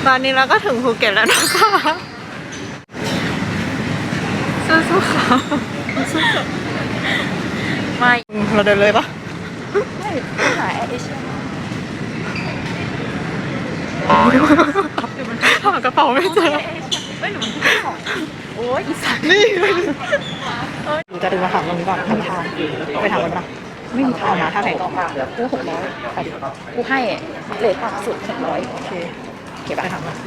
ตอนนี้เราก็ถึงภูเก็ตแล้วนะคะสู้ๆค่ะไม่เราเดินเลยปะไม่หาแอร์เอเชียหากระเป๋าไม่เจอไม่หนูมันของโอ้ยอีสัตว์นี่หนูจะดึงมาถามตรงนี้ก่อนทางไปถามกันปะไม่มีทางนะถ้าไหนก็มากู600ไปดิกูให้เลทต่ำสุด600 โอเคเก็บไปถามมา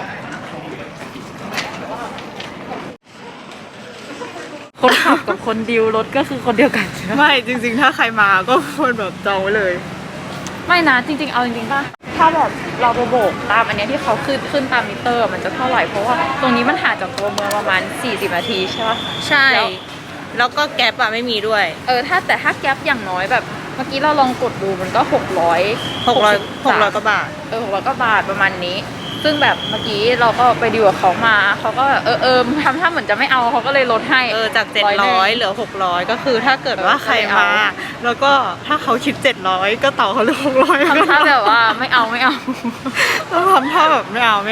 คนขับกับคนดิวรถก็คือคนเดียวกันไม่จริงๆถ้าใครมาก็ควรแบบจองไว้เลยไม่นะจริงๆเอาจริงๆป่ะถ้าแบบเราไปโบกตามอันนี้ที่เขาขึ้นตามมิเตอร์มันจะเท่าไหร่เพราะว่าตรงนี้มันห่างจากตัวเมืองประมาณ40 นาทีใช่ป่ะใช่แล้วก็แก๊ปอะไม่มีด้วยแต่ถ้าแก๊ปอย่างน้อยแบบเมื่อกี้เราลองกดดูมันก็600 กว่าบาท 600 กว่าบาทประมาณนี้ซึ่งแบบเมื่อกี้เราก็ไปดีลกับเขามาเขาก็ทำท่าเหมือนจะไม่เอาเขาก็เลยลดให้จาก700เหลือ600ก็คือถ้าเกิดว่าใครมาแล้วก็ถ้าเขาคิด700ก็ต่อเขาเลย600 ทำท่าแบบว่าไม่เอาต้องทำท่าแบบไม่เอา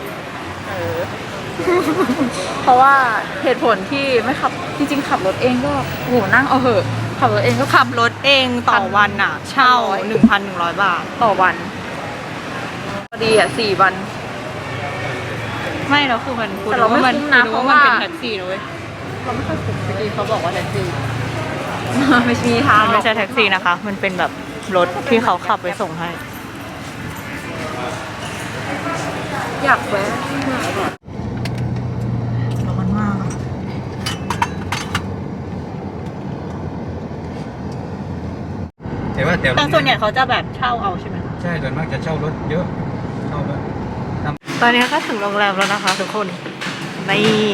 เพราะว่าเหตุผลที่ไม่ขับจริงๆขับรถเองก็โหนั่งเอาเหอะขับรถเองก็ขับรถเองต่อวันอ่ะเช่า 1,100 บาทต่อวันพอดีอ่ะ4 วันไม่แล้วคือมันแต่เราไม่คุ้มนะเพราะว่ามันเป็นแท็กซี่นะเว้ยเราไม่ค่อยคุ้มเมื่อกี้เขาบอกว่าแท็กซี่ไม่ใช่ทางไม่ใช่แท็กซี่นะคะมันเป็นแบบรถที่เขาขับไปส่งให้อยากแวะร้อนมากแต่ส่วนใหญ่เขาจะแบบเช่าเอาใช่ไหมใช่ส่วนมากจะเช่ารถเยอะเช่ารถตอนนี้ก็ถึงโรงแรมแล้วนะคะทุกคนนี่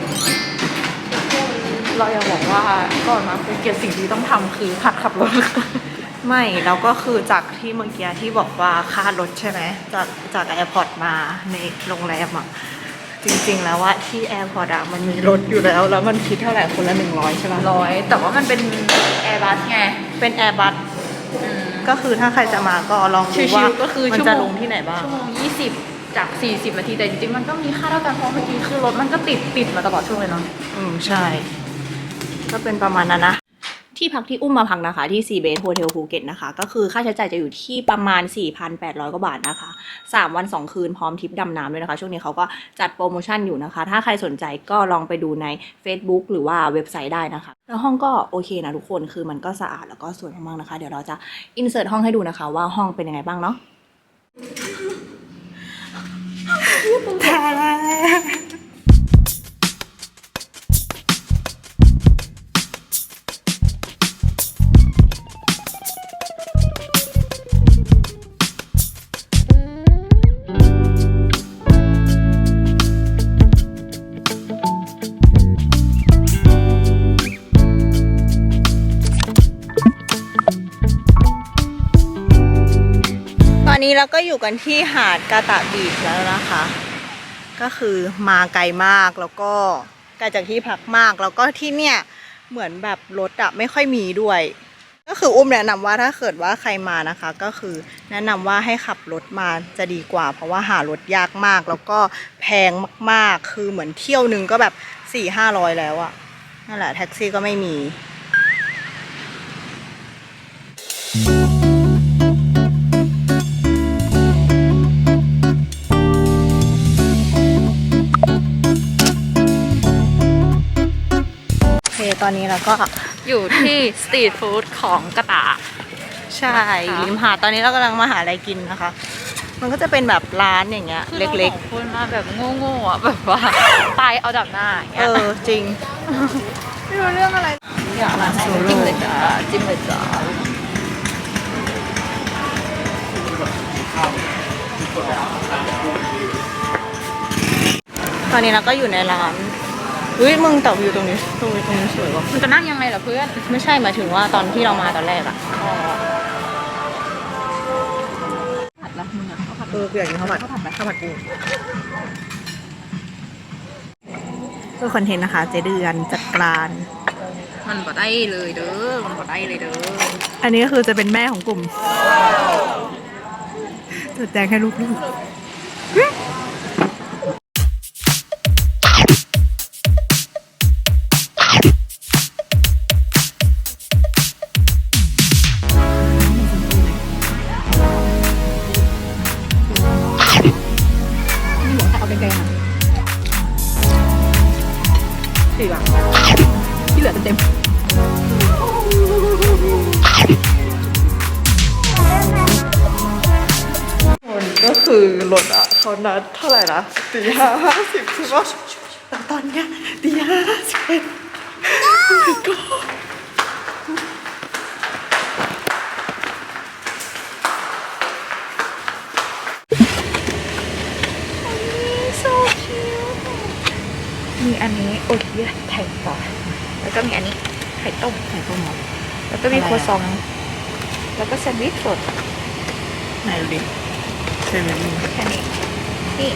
เราอยากบอกว่าก่อนมาภูเก็ตสิ่งที่ต้องทำคือหัดขับรถไม่แล้วก็คือจากที่เมื่อกี้ที่บอกว่าค่ารถใช่ไหมจากแอร์พอร์ตมาในโรงแรมอ่ะจริงๆแล้วว่าที่แอร์พอร์ตอ่ะมันมีรถอยู่แล้วมันคิดเท่าไหร่คนละ100ใช่ไหม 100แต่ว่ามันเป็นแอร์บัสไงเป็นแอร์บัสก็คือถ้าใครจะมาก็ลองดูว่ามันจะลงที่ไหนบ้างชั่วโมง20จาก40 นาทีแต่จริงๆมันก็มีค่าเท่ากันเพราะเมื่อกี้คือรถมันก็ติดมาตลอดช่วงเลยเนาะใช่ก็เป็นประมาณนั้นนะที่พักที่อุ้มมาพักนะคะที่ซีเบสโฮเทลภูเก็ตนะคะก็คือค่าใช้จ่ายจะอยู่ที่ประมาณ 4,800 กว่าบาทนะคะ3 วัน 2 คืนพร้อมทริปดำน้ำด้วยนะคะช่วงนี้เขาก็จัดโปรโมชั่นอยู่นะคะถ้าใครสนใจก็ลองไปดูใน Facebook หรือว่าเว็บไซต์ได้นะคะแล้วห้องก็โอเคนะทุกคนคือมันก็สะอาดแล้วก็สวยมากๆนะคะเดี๋ยวเราจะอินเสิร์ตห้องให้ดูนะคะว่าห้องเป็นยังไงบ้างเนาะตอนนี้เราก็อยู่กันที่หาดกาตะบีชแล้วนะคะก็คือมาไกลมากแล้วก็ไกลจากที่พักมากแล้วก็ที่เนี่ยเหมือนแบบรถอะไม่ค่อยมีด้วยก็คืออุ้มแนะนำว่าถ้าเกิดว่าใครมานะคะก็คือแนะนำว่าให้ขับรถมาจะดีกว่าเพราะว่าหารถยากมากแล้วก็แพงมากๆคือเหมือนเที่ยวนึงก็แบบ 400-500แล้วอะนั่นแหละแท็กซี่ก็ไม่มีตอนนี้เราก็อยู่ที่สตรีทฟู้ดของกระตาใช่ริมหาดตอนนี้เรากำลังมาหาอะไรกินนะคะมันก็จะเป็นแบบร้านอย่างเงี้ยเล็กๆคนมาแบบโง่ๆอ่ะแบบว่าตายเอาดับหน้าอย่างเงี้ยจริงไม่รู้เรื่องอะไรอยากมาจิ้มเลยจ้าจิ้มเลยจ้าตอนนี้เราก็อยู่ในร้านมึงแต่วิวตรงนี้สวยว่ะมันจะนั่งยังไงล่ะเพื่อนไม่ใช่หมายถึงว่าตอนที่เรามาตอนแรกอะผัดละมึงอะเขาผัดอยากกินข้าวผัดไหมข้าวผัดกูเพื่อคอนเทนต์นะคะเจเดือนจัดการมันบ่ได้เลยเด้ออันนี้ก็คือจะเป็นแม่ของกลุ่มจัดแจงให้ลูกเขานัดเท่าไหร่นะตี 5:50ใช่ปะแต่ตอนเนี้ยตี 5:51ก็มีอันนี้โอเคียไข่ปลาแล้วก็มีอันนี้ไข่ต้มหมดแล้วก็มีครัวซอง แล้วก็แซนด์วิชสดไหนดูดิเซเว่นแค่นี้ นี่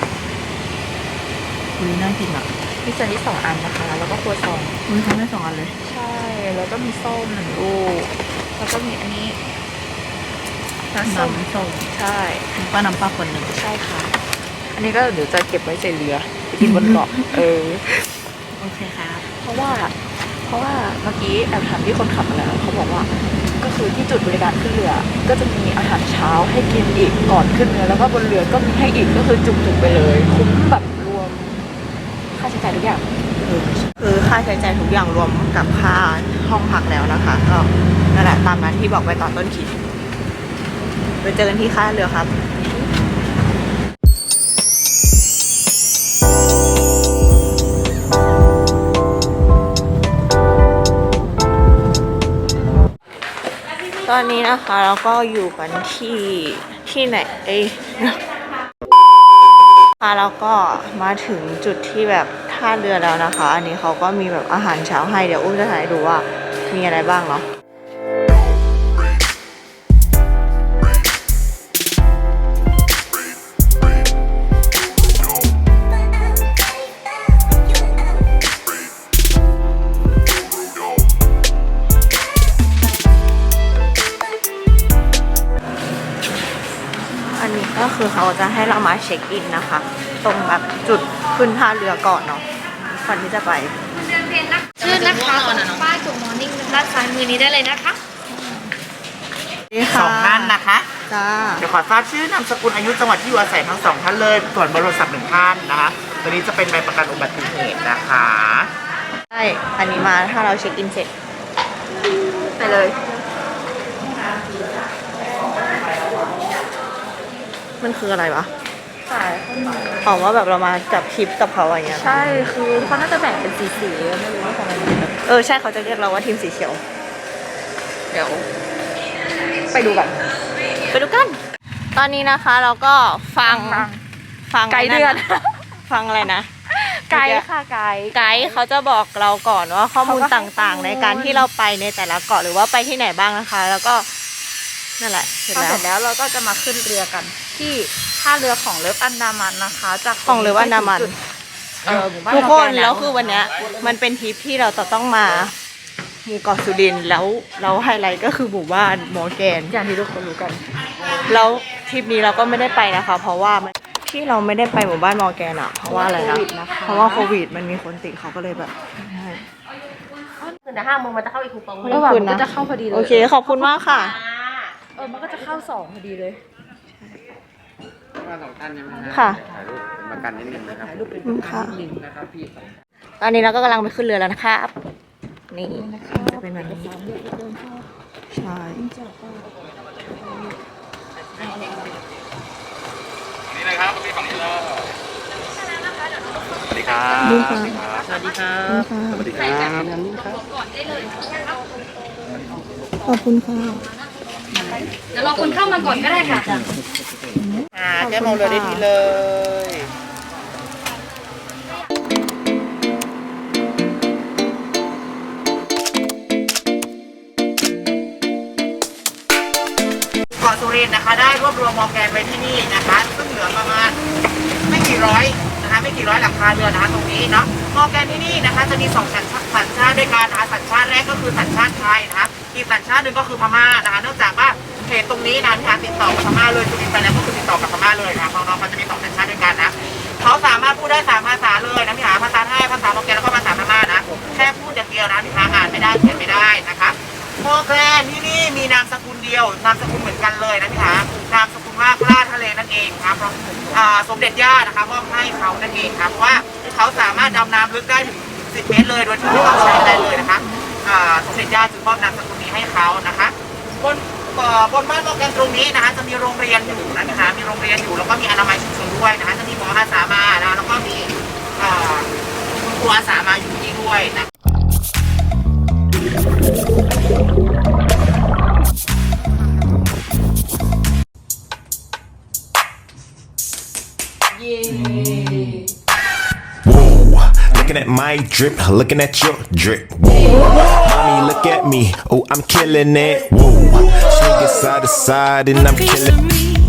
คุยน่ากินอ่ะมีแซนด์วิช2 อันนะคะ แล้วก็ครัวซองคุยทำได้2 อันเลยใช่ แล้วก็มีส้ม1 ลูก แล้วก็มีอันนี้น้ำส้มน้ำส้มใช่ป้าน้ำปลาคนหนึ่งใช่ค่ะ อันนี้ก็เดี๋ยวจะเก็บไว้ใส่เรือไปกินบนเกาะโอเคครับเพราะว่าเมื่อกี้แอบถามที่คนขับมาแล้วเขาบอกว่าก็คือที่จุดบริการขึ้นเรือ ก็จะมีอาหารเช้าให้กินอีกก่อนขึ้นเรือแล้วก็บนเรือก็มีให้อีกก็คือจุกๆไปเลยคุ้มแบบรวมค่าใช้จ่ายทุกอย่างคือค่าใช้จ่ายทุกอย่างรวมกับค่าห้องพักแล้วนะคะ ก็นั่นแหละตามนั้นที่บอกไปตอนต้นคลิปไปเจอกันที่ค่าเรือครับ ตอนนี้นะคะเราก็อยู่กันที่ไหนแล้วก็มาถึงจุดที่แบบท่าเรือแล้วนะคะ อันนี้เขาก็มีแบบอาหารเช้าให้เดี๋ยวอุ้มจะถ่ายให้ดูว่ามีอะไรบ้างเนาะอันนี้ก็คือเขาจะให้เรามาเช็คอินนะคะ ตรงแบบจุดขึ้นท่าเรือก่อนเนาะก่อนที่จะไปชื่อนะคะตรงป้ายจุดมอร์นิ่งด้านซ้ายมือนี้ได้เลยนะคะสองท่านนะคะจ้าเดี๋ยวขอทราบชื่อนามสกุลอายุจังหวัดที่อยู่อาศัยทั้งสองท่านเลย ส่วนเบอร์โทรศัพท์1 ท่านนะคะตัวนี้จะเป็นใบประกันอุบัติเหตุนะคะใช่อันนี้มาถ้าเราเช็คอินเสร็จไปเลย มันคืออะไรวะใช่ออกว่าแบบเรามาจับคลิปกับเขาอะไรเงี้ยใช่คือเขาน่าจะแบ่งเป็นสีๆไม่รู้ว่าของอะไรแบบใช่เขาจะเรียกเราว่าทีมสีเขียวเดี๋ยวไปดูกันไปดูกัน ตอนนี้นะคะเราก็ฟังไกด์เดือนฟังอะไรนะไกด์ค่ะไกด์ไกด์เขาจะบอกเราก่อนว่าข้อมูลเขาก็ให้ต่างๆ ในการที่เราไปในแต่ละเกาะหรือว่าไปที่ไหนบ้างนะคะ แล้วก็นั่นแหละเสร็จพอแล้เสวร็จแล้วเราก็จะมาขึ้นเรือกัน ที่ท่าเรือของเลิฟอันดามันนะคะ จากของเลิฟอันดามันจุหมู่บ้านทุกคนมอร์กแล้วคือวันเนี้ยมันเป็นทริปที่เราจะต้องมาหมู่เกาะสุรินทร์แล้วเราไฮไลท์ก็คือหมู่บ้านมอร์แกนอย่างที่ทุกคนรู้กันแล้วทริปนี้เราก็ไม่ได้ไปนะคะ เพราะว่าที่เราไม่ได้ไปหมู่บ้านมอร์แกนอะเพราะว่าอะไรนะเพราะว่าโควิดมันมีคนติดเขาก็เลยแบบตื่นแต่5 โมงมันจะเข้าอีกคูปองไม่ก็ต้แบองบคืนมันนะก็จะเข้าพอดีเลยโอเคขอบคุณมากค่ะมันก็จะเข้า2พอดีเลยว่า2 ท่านใช่ไหมฮะค่ะถ่ายรูปเป็นประกันนิดนึงนะครับถ่ายรูปเป็นค่ะนะครับพี่ตอนนี้เราก็กำลังไปขึ้นเรือแล้วนะครับ นี่จะเป็นแบบนี้ใช่นี่เลยครับพี่ฝั่งนี้เลยสวัสดีครับสวัสดีครับสวัสดีครับขอบคุณค่ะเดี๋ยวรอคนเข้ามาก่อนก็ได้ค่ะแก้มองเรือได้ทีเลย เกาะสุรินทร์นะคะได้รวบรวมมอร์แกนไว้ที่นี่นะคะซึ่งเหลือประมาณไม่กี่ร้อยนะคะไม่กี่ร้อยหลังคาเรือนนะคะตรงนี้เนาะมอร์แกนที่นี่นะคะจะมี2 สัญชาติด้วยกันนะคะสัญชาติแรกก็คือสัญชาติไทยนะคะอีกสัญชาติหนึ่งก็คือพม่านะคะเนื่องจากว่าเพจตรงนี้นะที่หาติดต่อกับพม่าเลยสุรินทร์ไปแล้วก็คือติดต่อกับพม่าเลยนะคะน้องๆเขาจะมี2 สัญชาติด้วยกันนะเขาสามารถพูดได้3 ภาษาเลยนะพี่หาภาษาไทยภาษามอร์แกนแล้วก็ภาษาพม่านะแค่พูดอย่างเดียวนะพี่หาอ่านไม่ได้เขียนไม่ได้นะคะ มอร์แกนที่นี่มีนามสกุลเดียวนามสกุลเหมือนกันเลยนะพี่คะนามสกุลว่ากล้าทะเลนั่นเองครับเพราะสมเด็จย่านะคะมอบให้เขานั่นเองครับเพราะว่าเขาสามารถดำน้ำลึกได้ถึง10 เมตรเลยโดยที่ไม่ต้องใช้อะไรเลยนะคะสมเด็จย่าจึงมอบนามสกุลนี้ให้เขานะคะบนบนบ้านมอร์แกนตรงนี้นะคะจะมีโรงเรียนอยู่นะคะมีโรงเรียนอยู่แล้วก็มีอนามัยชุมชนด้วยนะคะจะมีหมออาสามานะแล้วก็มีคุณครูอาสามาอยู่ที่ด้วยนะ Whoa, looking at my drip, looking at your drip. Whoa, mommy, look at me. Oh, I'm killing it. Whoa, swinging side to side and I'm killing.